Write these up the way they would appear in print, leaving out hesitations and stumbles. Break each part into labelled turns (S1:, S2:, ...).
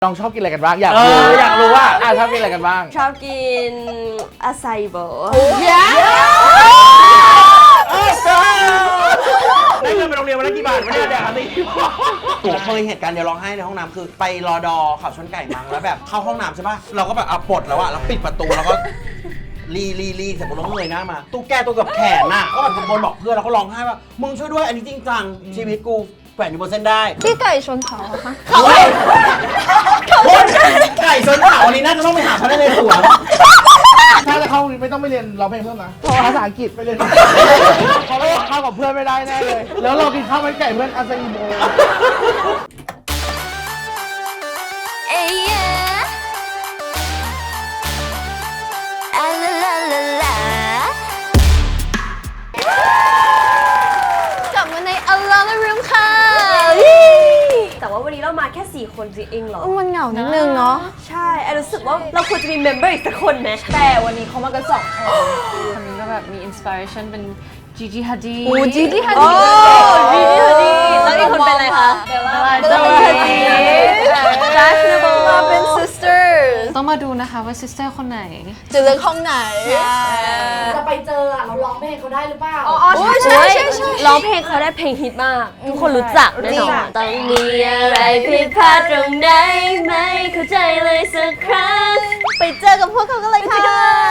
S1: น้องชอบกินอะไรกันบ้างอยากรู้ว่าชอบกินอะไรกันบ้าง
S2: ชอบกินอาไซโบ
S1: ได้เงินไปโรงเรียนวันละกี่บาทไม่ได้แดกอะไร
S3: ผมเคยเหตุการณ์เดี๋ยวร้องไห้ในห้องน้ำคือไปรอดอขับชนไก่มั้งแล้วแบบเข้าห้องน้ำใช่ป่ะเราก็แบบเอาปลดแล้วอะแล้วปิดประตูแล้วก็รีเสร็จปุ๊บเราเงยหน้ามาตู้แก้ตัวกับแขนน่ะก็แบบตะโกนบอกเพื่อนแล้วก็ร้องไห้ว่ามึงช่วยด้วยอันนี้จริงจังชีวิตกูแขวนอยู่บนเส้นได้
S4: พี่ไก่ชนเขาค่ะ
S3: ไก่ชนเขาอันนี้น่าจะต้องไปหาพนักงานสวน
S1: ถ้าจะเข้าไม่ต้องไปเรียนร้องเพลงเพิ่มนะเพราะภาษาอังกฤษไปเรียนเพราะว่าเข้ากับเพื่อนไม่ได้แน่เลยแล้วเรากินข้าวมันไก่เพื่อนอาซาอิโม
S4: กลับมาใน Alone Room ค่ะ
S2: แต่ว่าวันนี้เรามาแค่4คนจริงๆหรอ
S4: มันเหงานิดนึงเนาะ
S2: ใช่ไอรู้สึกว่าเราควรจะมีเมมเบอร์อีกสักคนไหม
S5: แต่วันนี้เขามากัน2 คนนี้ก็แบบมีอินสปิเรชันเป็นจีจีฮัดดี้
S4: จีจีฮัด
S2: ดี้แล้วอีกคนเป็นอะไรคะ
S5: เบลล่า
S4: ฮัดดี้
S2: ดัชเนเบิล
S4: มาเป็น sisters
S5: ต้องมาดูนะคะว่าซิสเตอร์คนไหน
S4: จะเลือกห้องไหน
S6: จะไปเจอเราร้องเพลงเขาได้หรือเปล่า
S2: ใช่ร้องเพลงเขาได้เพลงฮิตมากทุกคนรู้จักแน่นอนต้องมีอะไรผิดพลาดตรงไหนไม่เข้าใจเลยสักครั้ง
S4: ไปเจอกับพวกเขากันเลยค่ะ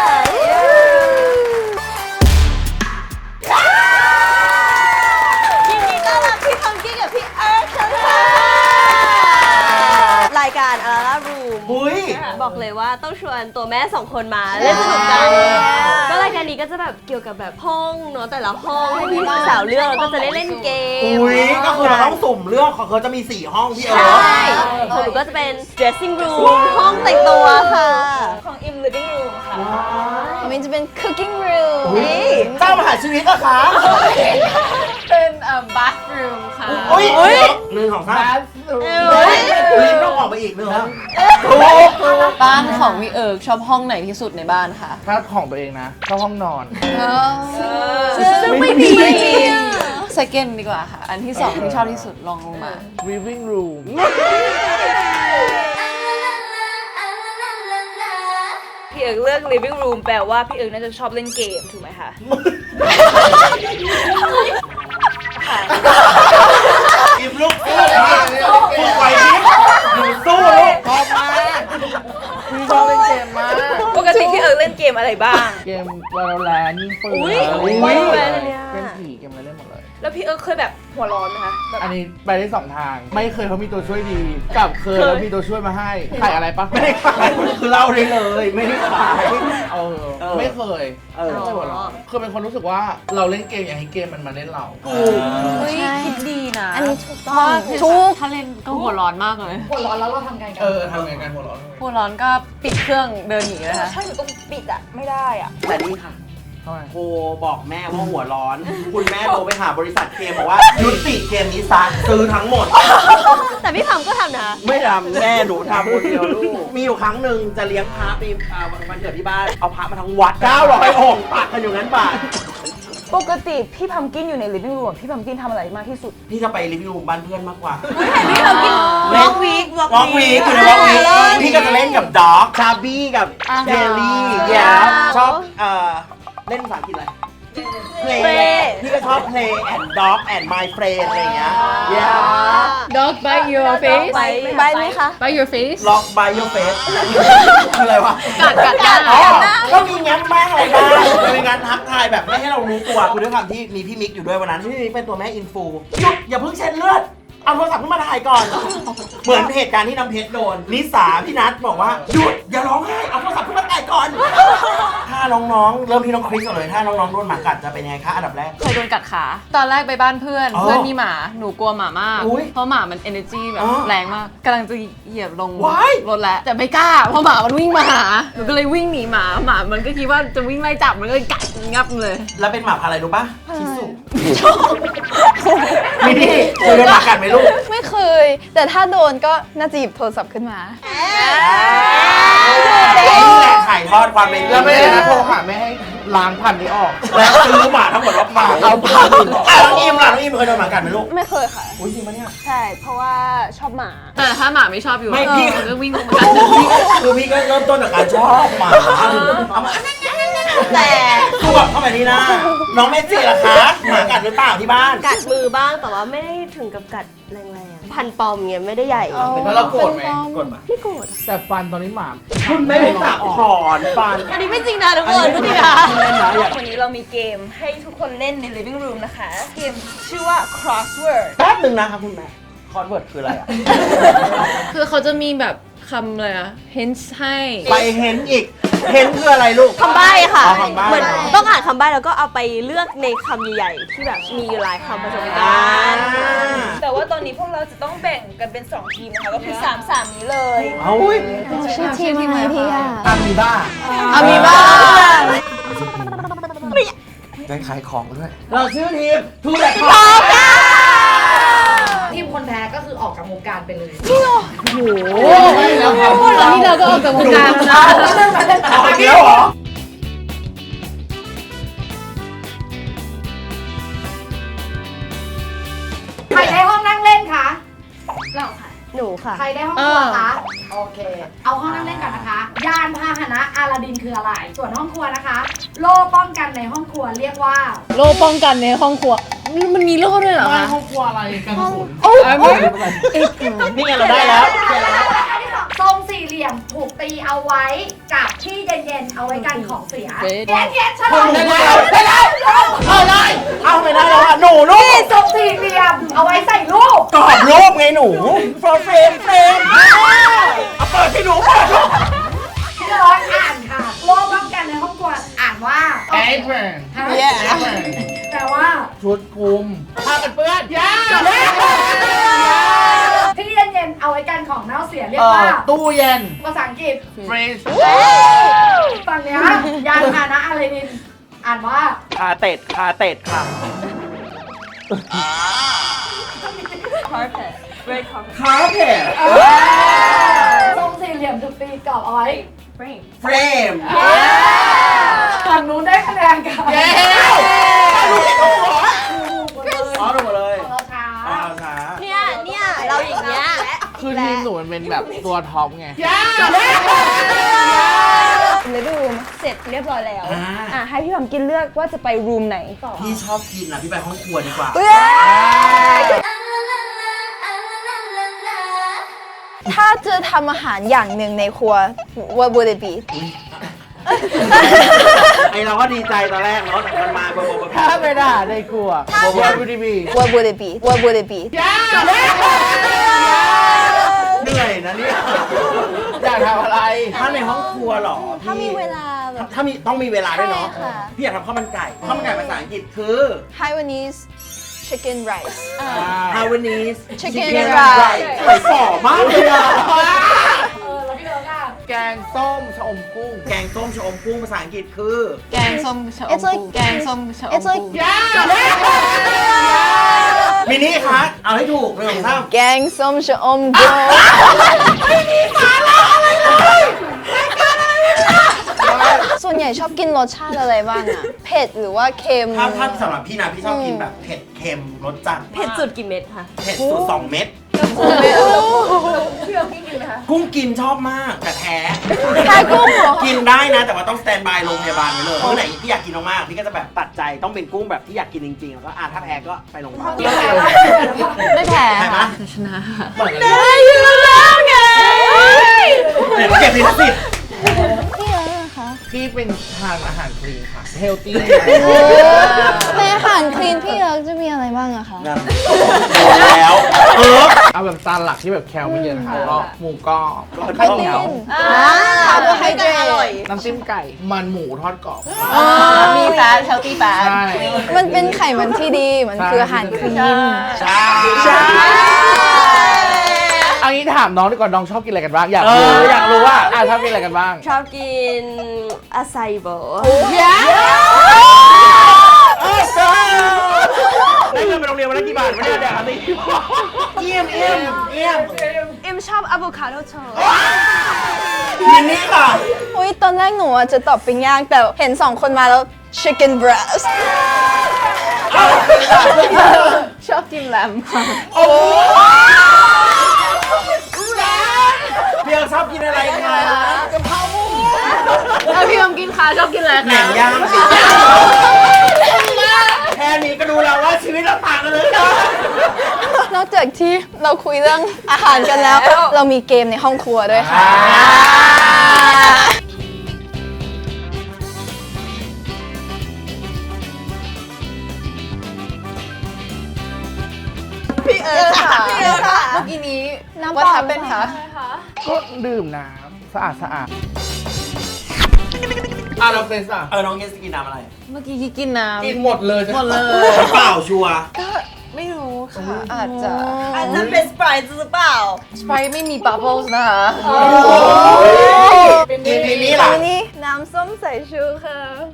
S4: ยินดีต้อนรับพี่ทอมกี้กับพี่เอิร์ธค่ะ
S2: รายการอารารูมบอกเลยว่าต้องชวนตัวแม่2 คนมาเล่นสนุกกันก็รายการนี้ก็จะแบบเกี่ยวกับแบบห้องเนาะแต่ละห้องให้พี่สาวเลือกแล้วก็จะได้เล่นเกม
S3: ก็คือเราต้องสุ่มเลือกของเขาจะมี4 ห้องพี่เอิร์ธ
S2: ใช่ของหนูก็จะเป็น dressing room ห้องแต่งตัวค่ะ
S5: ของอิม living room ค่ะ
S4: มินจะเป็น cooking room
S3: เจ้ามหาชีวิตอะคะ
S5: เป็นbathroom ค่ะ
S3: 1 2 3ลิ้นต้องออกไปอีก1
S5: บ้านของพี่เอิร์กชอบห้องไหนที่สุดในบ้านคะ
S1: ถ้าของตัวเองนะชอบห้องนอน
S2: ซึ่งไม่มี
S5: second ดีกว่าค่ะอันที่2ที่ชอบที่สุดลองลงมา
S1: living room
S5: พี่เอิร์กเลือก living room แปลว่าพี่เอิร์กน่าจะชอบเล่นเกมถูกไหมคะ
S3: อิมลูกสู้ไหวดิหนูสู้ลูก
S1: ชอบมากพี่ชอบเล่นเกมมาก
S5: ปกติพี่เอิร์กเล่นเกมอะไรบ้าง
S1: เกม Valorant ยิงปืนเป็นผีเกมอะไรเล่นหมดเลย
S5: แล้วพี่เอิร์กเคยแบบหัวร้อนไหมคะ
S1: อันนี้ไปได้2 ทางไม่เคยเขามีตัวช่วยดีกับเคยแล้วมีตัวช่วยมาให้ขายอะไรปะ
S3: ไม่ได้ขายคือเล่าได้เลยไม่ได้ขาย
S1: ไม่เคยคือเป็นคนรู้สึกว่าเราเล่นเกมอย่างให้เกมมันมาเล่นเรา
S5: คิดดีนะ
S4: อันนี้ถูกต้องถูก
S5: ถ้าเล่นก็หัวร้อนมากเลย
S6: หัวร้อนแล้วเราทำไงกัน
S1: ทำไงกันหัว
S5: ร้อนก็ปิดเครื่องเดินหนีเลยค่ะ
S6: ใช่อยู่ตรงปิดอะไม่ได้อะ
S3: แต่นี่ค่ะโทรบอกแม่ว่าหัวร้อนคุณแม่โทรไปหาบริษัทเกมบอกว่ายุติเกมนี้ซะซื้อทั้งหมด
S2: แต่พี่ทำก็ทำนะ
S3: ไม่ทำแม่หนูทำคนเดียวลูกมีอยู่ครั้งหนึ่งจะเลี้ยงพระไปวันเกิดที่บ้านเอาพระมาทั้งวัด900 องค์ปักกันอยู่งั้นบาท
S6: ปกติพี่พัมกินอยู่ใน living room พี่พัมกินทำอะไรมากที่สุด
S3: พี่จะไป living room บ้านเพื่อนมากกว่า
S2: พี่พัมกินวอล์กวีค
S3: อยู่ในวอล์กวีคพี่ก็จะเล่นกับด็อกชาบี้กับเจลลี่ชอบเล่นภาษาอังกฤษอะไรplay พี่ก็ชอบ play and dog and my friend อะไรอย่างเงี้ย
S5: dog bite your face
S2: ไปไหมคะ
S5: bite your face
S3: lock by your face คืออะไรวะ
S5: กัด
S3: ก็มีงั้นบ้างอะไรบ้างมีงานทักทายแบบไม่ให้เรารู้ตัวคือด้วยความที่มีพี่มิกอยู่ด้วยวันนั้นพี่มิกเป็นตัวแม่อินฟูหยุดอย่าเพิ่งเช็ดเลือดเอาโทรศัพท์ขึ้นมาถ่ายก่อนเหมือนเหตุการณ์ที่น้ำเพชรโดนนิสาพี่นัทบอกว่าหยุดอย่าร้องไห้เอาโทรศัพท์ขึ้นมาถ่ายก่อนถ้าน้องๆเริ่มที่น้องคริสก่อนเลยถ้าน้องๆโดนหมากัดจะเป็นยังไงคะอันดับแรก
S5: เคยโดนกัดขาตอนแรกไปบ้านเพื่อนมีหมาหนูกลัวหมามากเพราะหมามัน energy แบบแรงมากกำลังจะเหยียบลงรถแล้วแต่ไม่กล้าเพราะหมามันวิ่งมาหาหนูก็เลยวิ่งหนีหมามันก็คิดว่าจะวิ่งไล่จับมันก็กัดงับเลย
S3: แล้วเป็นหมาอะไรรู้ปะชิสุมีนี่เคยโดนหมากัดไหมลูก
S4: ไม่เคยแต่ถ้าโดนก็น่าจะหยิบโทรศัพท์ขึ้นมา
S3: นี่แหละถ่ายทอดความเป็น
S1: แล้วไม่ได้โทรหาไม่ให้ล้างพันธุ์นี้ออก
S3: แล้วซื้อหมาทั้งหมดว่าหมา
S1: เอาพันธุ์
S3: น้องอิมล่ะน้องอิมเคยโดนหมากัดไหมลูก
S2: ไม่เคยค่ะ
S3: อุ้ยจริงปะเนี่ย
S2: ใช่ เพราะว่าชอบหมา
S5: แต่ถ้าหมาไม่ชอบอยู่
S3: ไม่พี่
S5: มันก็วิ่งลงมากัด
S3: คือพี่ก็เริ่มต้นจากการชอบหมาเอามา
S2: แต่
S3: คือแบบเข้าไปนี่นะน้องเมจิล่ะคะหมากัดหรือเปล่าที่บ้าน
S2: กัดมือบ้างแต่ว่าไม่ได้ถึงกับกัดแรงๆ พันปอมเงี้ยไม่ได้ใหญ่
S1: แล้วเราโกรธไหม
S3: กดมา
S2: ไม่โกรธ
S1: แต่ฟันตอนนี้หมา
S3: คุณไม่ได้ตัดถอนฟัน
S2: อันนี้ไม่จริงนะทุกคนไม่จริงนะ
S6: วันนี้เรามีเกมให้ทุกคนเล่นใน living room นะคะ เกมชื่อว่า crossword
S3: แป๊บหนึ่งนะครับคุณแม่คอนเวิร์ตคืออะไรอ่ะ
S5: คือเขาจะมีแบบคำอะไรอะ hints ให้
S3: ไปเห็นอีก เห็นคืออะไรลูก
S2: คำใบ้ค่ะ
S3: อ๋อคำใบ้
S2: เหมือนต้องอ่านคำใบ้แล้วก็เอาไปเลือกในคำใหญ่ๆที่แบบมีหลายคำผสมกัน
S6: แต่ว่าตอนนี้พวกเราจะต้องแบ่งกันเป็น 2 ทีมนะคะ ก็คือ 3 นี้เลย
S3: เอาอุ้ย
S4: ชื่อทีมอะไรพี่อะ
S1: อามีบ้า
S5: อามีบ้า
S3: ได้ขายของด้วย เราชื่อทีมทูแลกคอ
S7: ทีมคนแพ้ก็คือออกจากวงการไปเลย
S1: โอ้ไม่แล้วครับ
S5: ตอนนี้เราก็ออกจากวงการแล้วนะ
S3: เอาอีกแล้วเหรอ
S7: ใครได้ห้องนั่งเล่นคะ
S2: หนูค่ะ
S7: ใครได้ห้องครัวคะ โอเค เอาห้องนั่งเล่นก่อนนะคะ ยานพาหนะอาลาดินคืออะไร ส่วนห้องครัวนะคะ โล่ป้องกันในห้องครัวเรียกว่า
S5: โล่ป้องกันในห้องครัวมันมีโล่ด้วยเหรอ
S1: ไม่
S5: คะ
S1: ห้องครัวอะไรกันสุน
S3: นี่ไงเราได้แล้ว
S7: อันที่สองทรงสี่เหลี่ยมถูกตีเอาไว้กับที่เย็นๆ เอาไว้กันของเสียเย็นๆฉลอง
S3: ได้แล้วได้แล้วเอาเลยเอาไม่ได้แล้วอ่ะหนูลูก
S7: ทรงสี่เหลี่ยม เอาไว้ใส่ลูก
S3: กรอบรูปไงหนูเฟรมเอาเปิดให้หนูเปิดลูก
S7: ที่ร้อยอ่านค่ะ โล่ป้องกันในห้องครัวอ่านว่า
S1: แอปเปิล
S7: แต่ว่า
S1: ชุดคลุมผ้ากันเปื้อนยา
S7: ที่เย็นๆ เอาไว้กันของเน่าเสียเรียกว่า
S1: ตู้เย็น
S7: ภาษาอังกฤษ
S1: เฟรช
S7: ฝั่งเนี้ยยานพาหนะอะไรนินอ่านว่า
S3: คาเต็ดค่ะ
S2: carpet red carpet
S3: คาเต็ด
S7: ทรงสี่เหลี่ยมถูกตีกรอบเอาไว้
S2: frame
S3: เฟรม
S7: ฝั่งนู้นได้คะแนนกัน
S1: เย้
S3: อ๋อถูกหมดเลย
S7: ของเราช้า
S3: เอาช้า
S2: เนี่ยเราอย่างเงี้ย
S1: คือทีมหนูมันเป็นแบบตัวท็อปไง
S4: living room
S2: เสร็จเรียบร้อยแล้ว
S6: อ่ะให้พี่พัมกินเลือกว่าจะไป room ไหน
S3: พี่ชอบกินนะพี่ไปห้องครัวดีกว่า
S4: ถ้าจะทำอาหารอย่างหนึ่งในครัว what would it be
S3: ไอเราก็ดีใจตอนแรกเนาะแต่มันมาบ่บ่
S1: ถ้าไม่ได้ในครัววอลบูดีบี
S4: what would it be what would it be
S3: เหนื่อยนะเนี่ย
S1: อยากทำอะไร
S3: ถ้าในห้องครัวเหรอ
S4: ถ้ามีเวลาแบบ
S3: ถ้ามีต้องมีเวลาด้วยเนาะ
S4: ใช่ค่ะ
S3: พี่อยากทำข้าวมันไก่ภาษาอังกฤษคือ
S4: Taiwanese chicken rice
S3: Taiwanese
S4: Chicken
S3: rice
S4: rice
S3: สวยฝ่อมากเลยอะ
S7: แล้วพี่เอิร์กอ่ะ
S1: แกงส้มชะอมกุ้ง
S3: แกงส้มชะอมกุ้งภาษาอังกฤษคือ
S5: แกงส้มชะอม
S4: It's like
S5: กุ้งแกงส้มชะอม
S4: It's like
S5: กุ้ง
S3: มินิคะเอาให้ถูกเลยของท่าน
S4: แกงส้มชะอมกุ้ง ส่วนใหญ่ชอบกินรสชาติอะไรบ้างอะเผ็ดหรือว่าเค็ม
S3: ถ้าสำหรับพี่นะพี่ชอบกินแบบเผ็ดเค็มรสจัด
S2: เผ็ดสุดกี่เม็ดคะ
S3: เผ็ดสุด2 เม็ด
S7: พี่เอิร์กกินไหมคะ
S3: กุ้งกินชอบมากแต่แพ้
S4: แพ้กุ้งเหรอ
S3: กินได้นะแต่ว่าต้องสแตนบายโรงพยาบาลไว้เลยมื้อไหนพี่อยากกินมากๆพี่ก็จะแบบตัดใจต้องเป็นกุ้งแบบที่อยากกินจริงๆแล้วก็ถ้าแพ้ก็ไปโรงพยาบาล
S5: ไม่แพ้
S3: ใช่ไหม
S5: ค่ะชนะค่ะ
S3: เหมือนกันเลยเดี๋ยวเก็บลิขสิทธิ์
S4: พี่เอิร์ธเหรอคะ
S1: พี่เป็นทานอาหารคลีนค่ะ เฮลตี้
S4: ในอาหารคลีนพี่เอิร์ธจะมีอะไรบ้างอะคะ
S3: นั่นแล้ว
S1: เอาแบบจานหลักที่แบบแคลไม่เยอะนะคะก็หมูกรอบ
S4: โปร
S1: ข้าวเห
S4: ตี
S1: นียวน
S4: คาร์โบไฮเดรต
S1: น้ำจิ้มไก่ มันหมูทอดกรอบ
S5: มีแฟตเฮลตี้แฟต
S1: ใช่
S4: มันเป็นไขมันที่ดี มันคืออาหารคลีน
S3: ใช่
S1: เอางี้ถามน้องดีกว่าน้องชอบกินอะไรกันบ้าง อยาก
S3: อยากรู้ว่า
S1: ชอบกินอะไรกันบ้าง
S2: ชอบกินอาไซโบ
S3: ได้เงินไปโรงเรียนวันละกี่บาทไม่ได้แดกอะไรเยี่ยม
S2: เอ็มชอบอะโวคาโดโทส
S3: มินนี่ค่ะ
S4: อุ้ยตอนแรกหนูอะจะตอบปิ้งย่างแต่เห็น2 คนมาแล้ว chicken breast
S5: ชอบกินแลมค่ะ
S3: โอ้เพียงชอบกินอะไรคะ
S5: แล้วพี่ยมกินค่ะชอบกินอะไร
S3: แหน
S5: คะ
S3: มย่างสิแค่นี้ก็ดูแล้วว่าชีวิตเราต่างกันเลยนะ
S4: นอกจากที่เราคุยเรื่องอาหารกันแล้ว เรามีเกมในห้องครัวด้วยค่ะ
S5: พี่เอิร์ธค่ะ
S4: พี่เอิร์ธค่ะ
S5: เมื่อกี้นี้
S4: น้ำ
S5: ว่า
S4: เปล่า
S5: ทับเป็นคะ
S1: ก็ดื่มน้ำสะอาดเราเฟสอ่ะ
S3: น้องเกสกินน้ำอะไร
S5: เมื่อกี้กินน้ำ
S1: กินหมดเลย
S5: หมดเลย
S3: น้ำเปล่าชัวร์
S5: ก็ไม่รู้ค่ะ อาจจะ
S6: อันนั้นเป็นสไปร์หรือเปล่า
S5: สไปไม่มีบับเบิ้ลนะคะ
S3: มินนี่ล่ะ
S4: อันนี้น้ำส้มสายชูค่ะ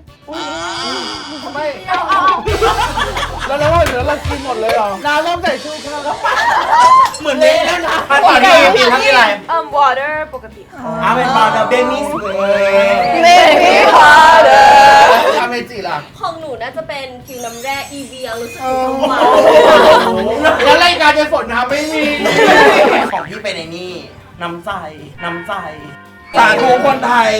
S1: ไม่แล้วเราเหลือเรากินหมดเลยเหรอน้ำเริ่มใส่ชูค่ะ
S3: เหมือนเละแล้วนะตอนนี้มีทั้งที่อะไร
S6: water ปกติค่ะ
S3: เป็นบาร์เดนิสเลย
S4: เมนี่ฮาร์เดอร์
S1: ทำเมจิล่ะ
S2: ของหนูน่าจะเป็นฟิวน้ำแร่ EV รู้สึกถึงความหวาน
S1: แล้วรายการจะฝนน้ำไม่มี
S3: ของพี่เป็นไอ้นี่ น้ำใจสาธุคนไทย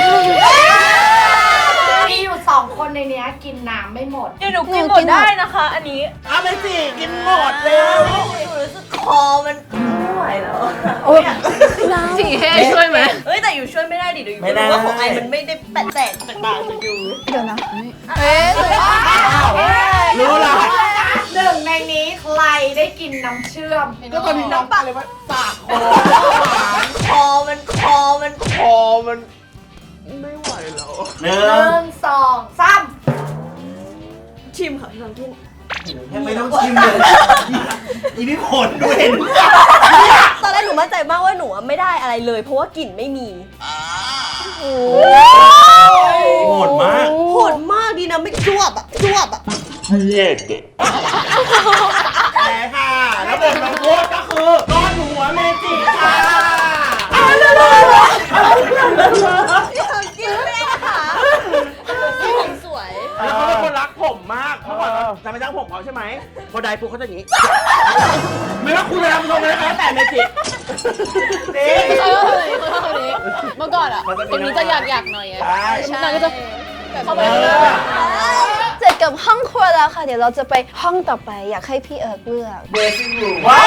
S7: มีอยู่2 คนในเนี้ยกินน้ำไม่หมด
S6: เดี๋ยวหนูกินหมดได้นะคะ อันนี้
S3: เอาไปสิกินหมดเร็ว
S2: หนูรู้สึกคอมันไม่ไหวแล้ว
S5: จีให้ช่วยไหม
S2: เฮ้ยแต่อยู่ช่วยไม่ได้ดิเดี๋ยวอยู่รู้ว่าของไอมันไม่ได้แตกจากปากจากอยู่
S4: เดี๋ยวนะ
S3: รู้ละ
S7: หนึ่งในนี้ใครได้กินน้ำเชื่อม
S1: ก็ตอนนี้น้ำปลาเลยว่าปากคอ
S2: คอมัน
S1: คอมันไม่ไหวแล้ว
S3: หนึ่
S7: 1 2 3
S2: ชิมค่ะพี่ลองกิน
S3: ไม่ต้องชิมเลยอีนี่ขนดูเห็น
S2: ตอนแรกหนูมั่นใจมากว่าหนูไม่ได้อะไรเลย เพราะว่ากลิ่นไม่มี
S3: โหดมาก
S2: โหดมากดีนะไม่จวบอ่ะ
S3: แพ้ค่ะ แล้วบทลงโทษก็คือก้อนหัวเมจิค่ะ
S2: กินไม่ได้ค่ะผมสวย
S3: แล้วเขาเป็นคนรักผมมากเมื่อก่อนจะไปจ้างผมเขาใช่ไหมพอได้ปุ๊บเขาจะอย่างนี้ ไม่ว่าคุณจะทำทรงอะไรก็แล้วแต่เมจินี่
S5: เขาชอบคนนี้เขาชอบคนนี้ เมื่อก่อนอ่ะคนนี้จะอยากหน่อยไง
S3: ใช่
S5: นางก็จะเข้าไป
S4: เสร็จกับห้องครัวแล้วค่ะ เดี๋ยวเราจะไปห้องต่อไปอยากให้พี่เอิร์กเลือก
S3: เดซิ่งรูมว้า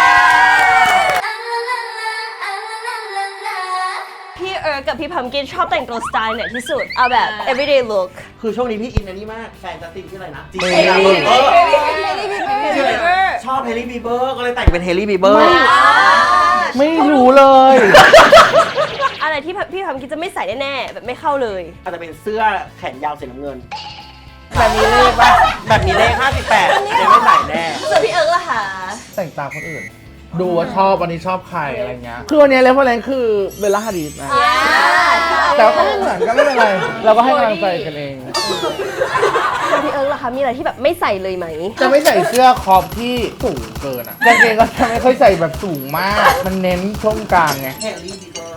S2: พี่เอิร์กกับพี่พัมกินชอบแต่งตัวสไตล์ไหนที่สุด เอาแบบ everyday look
S3: คือช่วงนี้พี่อินอันนี้มาก แฟนจัสตินชื่ออะไรนะ
S1: เฮลี่
S3: ชื่ออะไรชอบเฮลี่บีเบอร์ก็เลยแต่งเป็นเฮลี่บีเบอร์
S1: ไม่รู้เลย
S2: อะไรที่พี่พัมกินจะไม่ใส่แน่ๆแบบไม่เข้าเลย
S3: อาจจะเป็นเสื้อแขนยาวสีน้ำเงิน
S1: แบบนี้เลขป่ะ
S3: แบบนี้เลข58ยังไม่ใส่แน่
S2: ส่วนพี่เอิร์กล่ะคะ
S1: แต่งตามคนอื่น ดูว่าชอบวันนี้ชอบใครอะไรเงี้ยคือวันนี้เลฟเฟอร์เรนซ์คือเบลล่าฮาดิสนะ แต่ว่าก็ไม่เหมือนก็ไม่เป็นไร เราก็ให้กำลังใจกันเอง
S2: ส่วนพี่เอิร์กล่ะคะมีอะไรที่แบบไม่ใส่เลยไหม
S1: จะไม่ใส่เสื้อคอปที่สูงเกินอ่ะกางเกงก็จะไม่ค่อยใส่แบบสูงมาก มันเน้นช่วงกลางไง
S3: เฮลี่บีเบอร์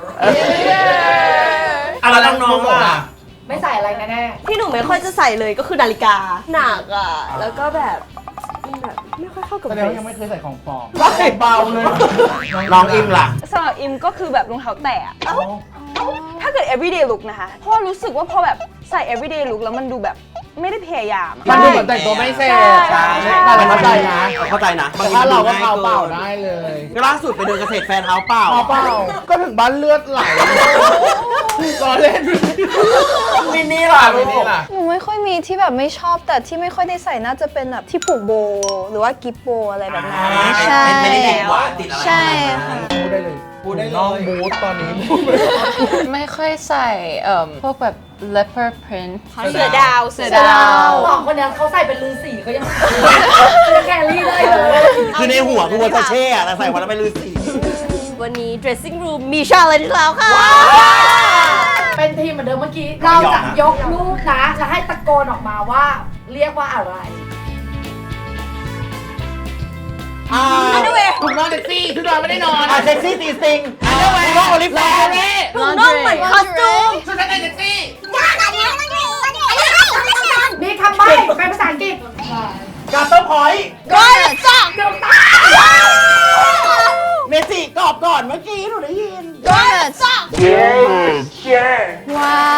S3: อะไรน้องๆล่ะ
S7: ไม่ใส่อะไรแน่
S2: ที่หนูไม่ค่อยจะใส่เลยก็คือนาฬิกาหนักอ่ะ แล้วก็แบบมันแบบไม่ค่อยเข้ากับ
S1: แส
S2: เด
S1: ดง
S2: ร
S1: ว่ายัง
S2: ส
S1: ไม่เคยใส่ของปลอมว่าใส่เบาเลย
S3: น้องอิมล่ะ
S4: สำหรับอิมก็คือแบบรองเท้าแตะถ้าเกิด everyday look นะคะ เพราะว่ารู้สึกว่าพอแบบใส่ everyday look แล้วมันดูแบบไม่ได้พยายามอะ
S1: มันดูเหมือนแต่งตัวไม่เสร็จ
S3: ใช่
S1: แต่เราเข้าใจนะ
S3: เข้าใจนะ
S1: แต่ถ้าเราก็เท้าเปล่าได้เลย
S3: ก็ล่าสุดไปเดินเกษตรแฟนเท้าเปล่า
S1: เท้าเปล่าก็ถึงบ้านเลือดไหลรอเล่น
S3: มินนี่ล่ะ
S1: ไม่นี่ล่ะ
S4: หนูไม่ค่อยมีที่แบบไม่ชอบแต่ที่ไม่ค่อยได้ใส่น่าจะเป็นแบบที่ผูกโบว์หรือว่ากิฟโบว์อะไรแบบนั้นใช่
S3: ไม่ได้ติดหวานติดอะไร
S4: ใช่ค่ะ
S1: พูดได้เลย
S3: พูดได้เลย
S1: น้องบูธตอนนี้
S5: ไม่ค่อยใส่พวกแบบ leopard print
S2: เสือดาว
S5: เสือดาว
S7: ๆ2 คนเนี้ยเขาใส่เป็นลือสีเขายังแครี่ได้เลย
S3: คือในหัวคือวัวเช่อะแต่ใส่วันแล้วเป็นฤาษี
S2: วันนี้ dressing room มีชาเลนจ์แล้วค่ะ
S7: เป็นทีมเหมือนเดิมเมื่อกี้ เราจะยกลูกนะจะให้ตะโกนออกมาว่าเรียกว่าอะไร
S1: ถูกนอนเซ็กซี่ทุกนอนไม่ได้นอน
S3: เซ็กซี่ตีสติงอันเดอร์แวร์โอลิฟแวร์
S2: ถุงน่อง
S5: ว้าว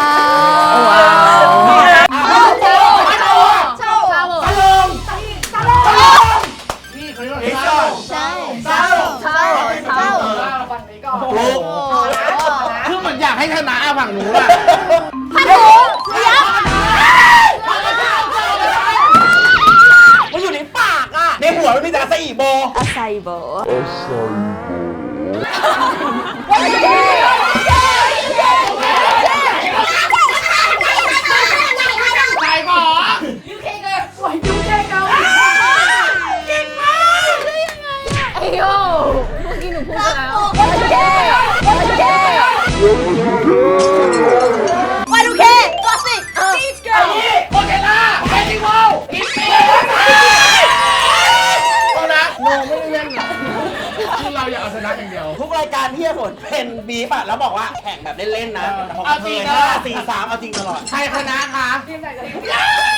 S1: นี่เขาเรียกว่าเศร้า
S7: ฝั่งนี้ก่อน
S1: คือเหมือนอยากให้ชนะฝั่งหนูอะ
S3: มันอยู่ในปากอ่ะในหัวมันมีแต่ซาอิโบ
S2: อาไซโบ
S1: ใครหมอ
S7: ยูเคเกา
S5: ไอ้โยเมื่อกี้หนูพูดไปแล้ว
S2: วันโอเคตัวสิ
S1: โอเคนะเฟสติวัลกินเปียเอานะโนไม่ได้เล่นนะคือเราอยากเอาชนะอย่างเดียว
S3: ทุกรายการที่ฝนเป็นบีบอะแล้วบอกว่าแข่งแบบเล่นๆนะ
S1: เอาจริงนะ
S3: 5 4 3เอาจริงตลอด
S1: ใครชนะคะ
S7: ทีมไหนกับทีม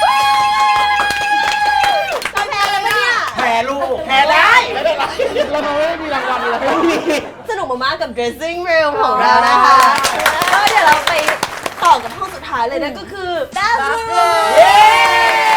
S2: จะแพ้เลยปะเนี่ย
S3: แพ้ลูกแพ้ได้ไม่เป็นไร
S1: เราไม่ได้มีรางวัลเลย
S2: สนุกมากๆกับ dressing room ของเรานะคะแล้วเดี๋ยวเราไปต่อกับห้องสุดท้ายเลยนะก็คือ bathroom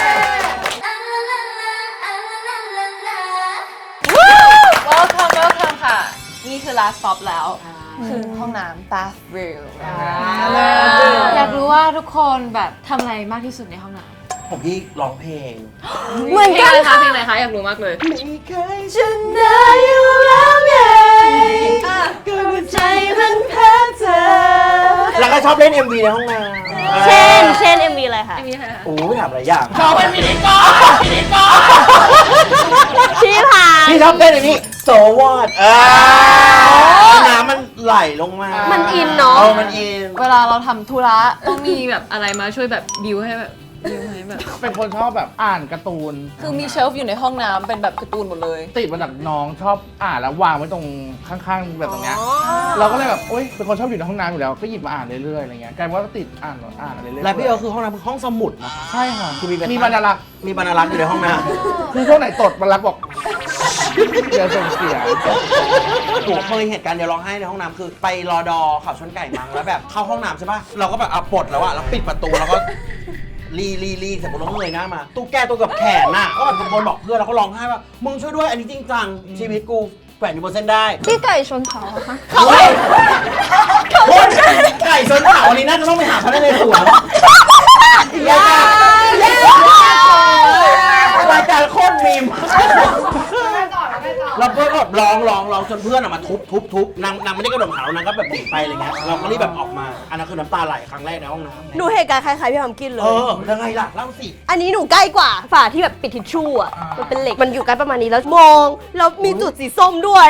S5: welcome ค่ะ นี่คือ last stop แล้ว คือห้องน้ำ bathroom อยากรู้ว่าทุกคนแบบทำอะไรมากที่สุดในห้องน้ำ
S3: ผมพี่ร้องเพลง
S2: เหมือนกัน
S5: ค่ะเพลงอะไรคะอยากรู้มากเลย
S3: ไม่เคย
S2: ชนะอยู่แล้วไงก็หัวใจมันแพ้เธอ
S3: แล้วก็ชอบเล่น MV ในห้องน้ำ
S2: เช่น MV อะไรคะ
S5: มีอะไรคะ
S3: โอ้ยถามหลายอย่าง
S1: ชอบเป็นมินิกอล
S2: ชี้ผ่าน
S3: พี่ชอบเต้นอันนี้โซวอดน้ำมันไหลลงมา
S2: มันอินเนาะ
S3: มันอิน
S5: เวลาเราทำธุระต้องมีแบบอะไรมาช่วยแบบบิวให้แบบ
S1: เป็นคนชอบแบบอ่านการ์ตูน
S5: คือมีเชลฟ์อยู่ในห้องน้ำเป็นแบบการ์ตูนหมดเลย
S1: ติดมาจากน้องชอบอ่านแล้ววางไว้ตรงข้างๆแบบตรงเนี้ย เราก็เลยแบบโอ๊ยเป็นคนชอบอยู่ในห้องน้ำอยู่แล้วก็หยิบมาอ่านเรื่อยๆอะไรเงี้ยกลายเป็นว่าก็ติดอ่านอะไรเรื่อยๆ
S3: และพี่เอคือห้องน้ำคือห้องสมุดนะคะ
S1: ใช่ค่ะ
S3: คือมี
S1: มีบรรลักษ์
S3: มีบรรลักษ์อยู่ในห้องน้
S1: คือช่วงไหนตดบรรลักษ์บอกเดี๋ยวส่งเสียง
S3: ำผมเคยเหตุการณ์เดียวร้องไห้ในห้องน้ำคือไปรอดอขับชนไก่มั้งแล้วแบบเข้าห้องน้ำใช่ป่ะเราก็แบบเอาปลดแล้วอะแล้วปิดประตูแล้วก็รีเสร็จปุ๊บเราก็เงยหน้ามาตู้แก้ตัวกับแขนน่ะก็แบบตะโกนบอกเพื่อนแล้วก็ร้องไห้ว่ามึงช่วยด้วยอันนี้จริงจังชีวิตกูแขวนอยู่บนเส้นได้
S4: พี่ไก่ชนเขาอะคะ
S3: คนไก่ชนเขาอันนี้น่าจะต้องไปหาพนักงานสวนรายการโคตรมีม
S7: ไม่ต่อไม่ต่อ
S3: เราก็แบบร้องจนเพื่อนมาทุบนางไม่ได้กระโดดเขานางก็แบบหนีไปอะไรเงี้ยเราก็รีบแบบออกมาอันนั้นคือน้ำตาไหลครั้งแรกในห้องน้ำ
S2: หนูเหตุการณ์คล้ายๆพี่ทำกินเล
S3: เอย อยังไงล่ะเล่าสิ
S2: อันนี้หนูใกล้กว่าฝาที่แบบปิดทิชชู่อ่ะ มันเป็นเหล็ก มันอยู่ใกล้ประมาณนี้แล้วมอง แล้วมีจุดสีส้มด้วย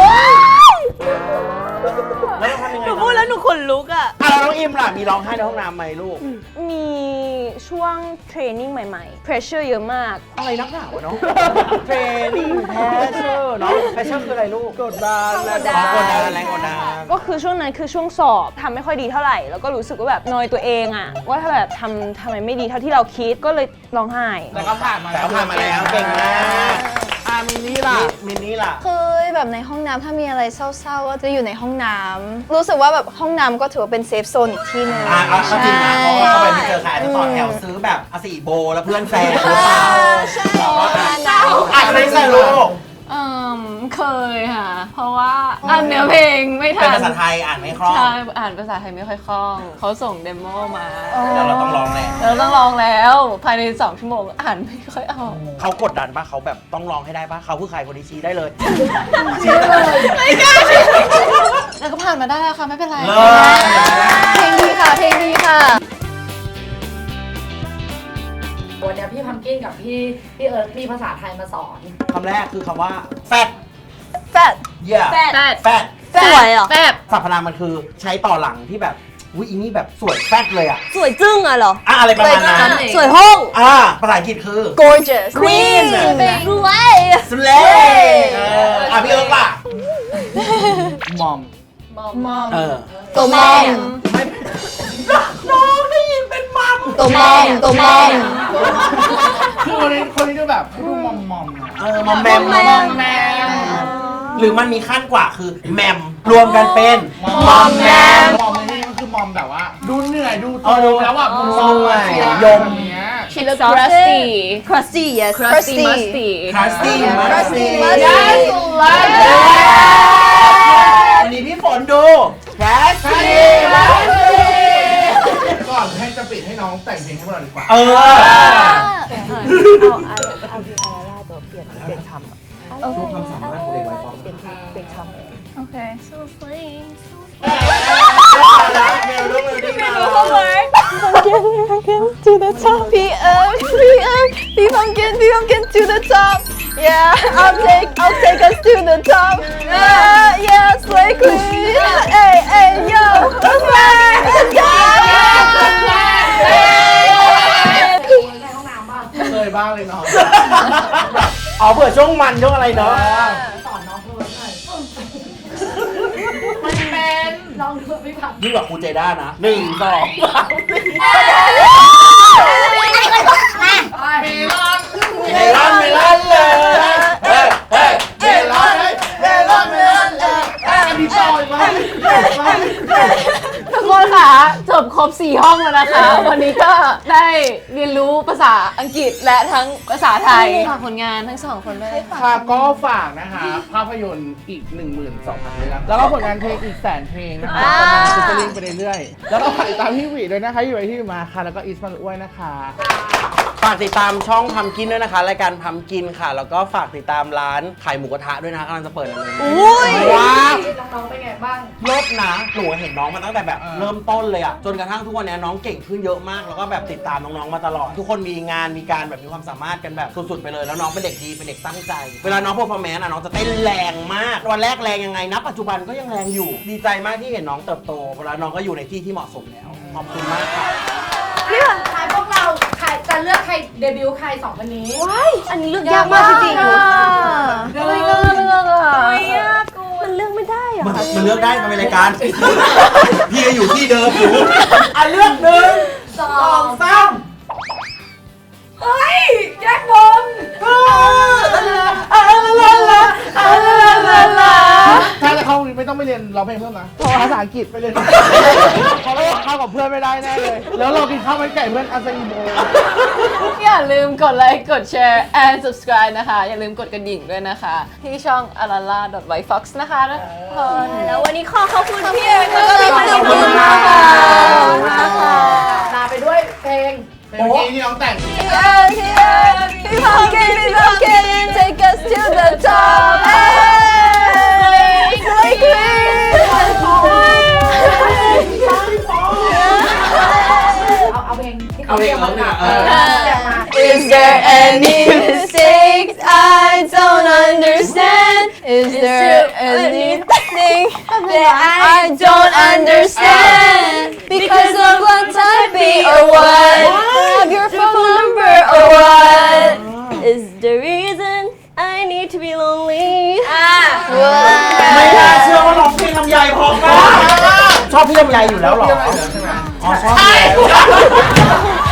S3: แล้วเราทำยังไง
S2: หนูพูดแล้วหนูขนลุกอ่ะ
S3: แล้วน้องอิมล่ะมีร้องไห้ในห้องน้ำไหมลูก
S4: มีช่วงเทรนนิ่งใหม่ๆ pressure เยอะมาก
S3: อะไรนักหนาวะเนาะเทรนนิ่งแพชเชอร์เนาะแพชเชอร์คืออะไรลูกกดดันแรงกดดันแรงกดดัน
S4: ก็คือช่วงนั้นคือช่วงสอบทำไม่ค่อยดีเท่าไหร่ แล้วก็รู้สึกว่าแบบนอยตัวเองอะว่าถ้าแบบทำไมไม่ดีเท่าที่เราคิดก็เลยร้องไห้
S1: แต่ก็ผ่านมา
S3: แต่ก็ผ่านมาแล้วเก่งมาก
S1: มินี่ล่ะ
S3: มินนี่ล่ะ
S4: เคยแบบในห้องน้ำถ้ามีอะไรเศร้าๆก็จะอยู่ในห้องน้ำรู้สึกว่าแบบห้องน้ำก็ถือว่าเป็นเซฟโซนอีกที่หนึง
S3: เอาก็จริงนะเพราะว่าเข้าไปไม่เจอใครอาจจะต่อแถวซื้อแบบ4โบแล้วเพื่อนแฟนหรือเปล่าเราก็อาจจะไม่ใช่ลูก
S5: เคยค่ะ เพราะว่าอ่านเนื้อเพลงไม่ทั
S3: เป็น
S5: น
S3: ภาษาไทยอ่านไม่คล่อง
S5: ใช่อ่านภาษาไทยไม่ค่อยคล่อง เขาส่งเดโมมา
S3: แล้วเราต้องร้องแหละ
S5: เราต้องลองแล้วภายใน2 ชั่วโมงอ่านไม่ค่อยออก
S3: เขากดดันป่ะเขาแบบต้องร้องให้ได้ป่ะเขาคือใครคนที่ชี้ได้เลย
S5: แล้วก็ผ่านมาได้แล้วค่ะไม่เป็นไร
S3: เลิศ
S5: เพลงดีค่ะเพลงดีค่ะ
S7: วันนี้พี่พัมกินกับพี่เอิร์ธมีภาษาไทยมาสอน
S3: คำแรกคือคำว่าแฟต
S4: fat
S3: เยี่ย
S2: แฟด
S3: แฟต
S2: สวยเหรอ
S5: แบบ
S3: สรรพนามมันคือใช้ต่อหลังที่แบบอุ้ยอีนี่แบบสวยแฟตเลยอ่ะ
S2: สวยจึ้งอ่ะเหรอ
S3: อะไรประมาณนั้น
S2: สวยห้อง
S3: ภาษาอังกฤษคือ
S4: gorgeous
S2: Queen รวย
S3: สเลพี่เอิร์กล่ะ
S1: มอม
S2: ตัวแม่
S3: น้องได้ยินเป็นมัม
S2: ตัวแม่ตัวแม่
S1: คือคนนี้ดูแบบดูมอมมอม
S3: มอมแมมมอมแมมหรือมันมีขั้นกว่าคือแมมรวมกันเป็นมอมแมม
S1: มอมในที่ภาความแบบว่า ดูเหนื่อยดู
S3: เออดู
S1: แล้วแบบมัน
S3: เหนื่อยยม
S1: เนี้ย
S5: She looks crusty
S2: crusty yes
S5: crusty musty
S3: คลาสซี่มาสซี่
S2: Yes
S3: วันนี้พี่ฝนดูแคสซี่มาสซี่
S1: ก่อนให้จะปิดให้น้องแต่งเพลงให้พวกเราดีกว่า
S3: เออ
S1: ทุกความสามารถของเด็กวัยปอม
S5: โอเค
S2: so playing
S4: to the top P pumpkin to the top yeah I'll take us to the top yeah slay queen hey yo let's go
S7: ในห้องน้ำบ้าง
S1: เคยบ้างเลยน้อง
S3: อ๋อเผื่อช่วงมันช่วงอะไรเนาะ
S7: สอนน้องเพิ่มหน่อยมันเป็นลองดูพี่ผัก
S3: ยิ่งกว่าครูเจด้านะ1 2 3
S1: เมลอน
S3: เมลอนเลยเฮ้ยเฮ้ย
S1: เมลอนเลยอันนี้ต่อยมา
S5: ทุกคนค่ะจบครบ4ห้องแล้วนะคะ วันนี้ก็ได้เรียนรู้ภาษาอังกฤษและทั้งภาษาไทยฝากผลงานทั้ง2คนด้วย
S1: ค่ะก็ฝากนะคะ ภาพยนตร์อีก 12,000 เรื่องแล้วก็ผลงานเพลงอีก100,000 เพลงนะคะกำลังจะลิงก์ไปเรื่อยๆแล้วก็ฝากติดตามพี่หวีด้วยนะคะอยู่ไอที่มาค่ะแล้วก็อีสมาอ้วยนะคะ
S3: ฝากติดตามช่องพัมกินด้วยนะคะรายการพัมกินค่ะ แล้วก็ฝากติดตามร้านขายหมูกระทะด้วยนะคะกำลังจะเปิดอะไรว้าว
S7: น้องๆเป็นไงบ้าง
S3: รถนะหนูเห็นน้องมาตั้งแต่แบบเริ่มต้นเลยอะจนกระทั่งทุกวันนี้น้องเก่งขึ้นเยอะมากแล้วก็แบบติดตามน้องๆมาตลอด ทุกคนมีงานมีการแบบมีความสามารถกันแบบสุดๆไปเลยแล้วน้องเป็นเด็กดีเป็นเด็กตั้งใจ เวลาน้องเพอร์ฟอร์แมนซ์อะน้องจะเต้นแรงมากวันแรกแรงยังไงนะปัจจุบันก็ยังแรงอยู่ ดีใจมากที่เห็นน้องเติบโตแล้วน้องก็อยู่ในที่ที่เหมาะสมแล้วขอบคุณมากค่ะ
S7: ใครพวกเราใครจะเลือกใครเดบิวต์ใครสองคนนี้
S2: อันนี้เลือกยากมากจริงๆ
S5: ไม่เลือกอ่ะ
S2: มันเลือกไม่ได้เหรอ
S3: มันเลือกได้มันเป็นรายการ พี่ก็อยู่ที่เดิมอยู่อ่ะเลือก1 2 3
S7: เฮ้ยแยกวง
S1: ถ้าจะเข้าไม่ต้องไปเรียนร้องเพลงเพิ่มนะภาษาอังกฤษไปเลยเพราะว่าเข้ากับเพื่อนไม่ได้แน่เลย แล้วเรากินข้าวมันไก่เพื่อนอาซาอิโม
S5: อย่าลืมกดไลค์กดแชร์ and subscribe นะคะ อย่าลืมกดกระดิ่งด้วยนะคะ ที่ช่อง alala.whitefox นะคะทุกคน
S2: แล้ววันนี้ขอบคุณพี่เอ๋แล้วก็พี่พัน
S3: ขอบคุณ
S2: ธุ์
S3: มากค่ะ
S7: ลาไปด้วยเพลง
S1: เมื่อกี้ที่น้องแต่ง
S4: P pumpkin take us to the top slay queen
S7: เอาเพลงที่
S3: เอา
S7: เขา
S3: เพล
S7: เรี
S3: ง
S7: ยก
S3: เขา
S7: มา
S3: เนี่ย
S7: มา
S4: Is there any mistakes I don't understand? Is there anything that I don't understand? Because of what type or what? Have your phone number or what?
S2: is the reason I need to be lonely
S3: ไม่น่าเชื่อว่าร้องเพลงลำไยพอมากชอบพี่ลำไยอยู่แล้วเหรอ
S1: ใช่ไหม
S3: อ๋อชอบอยู่แล้ว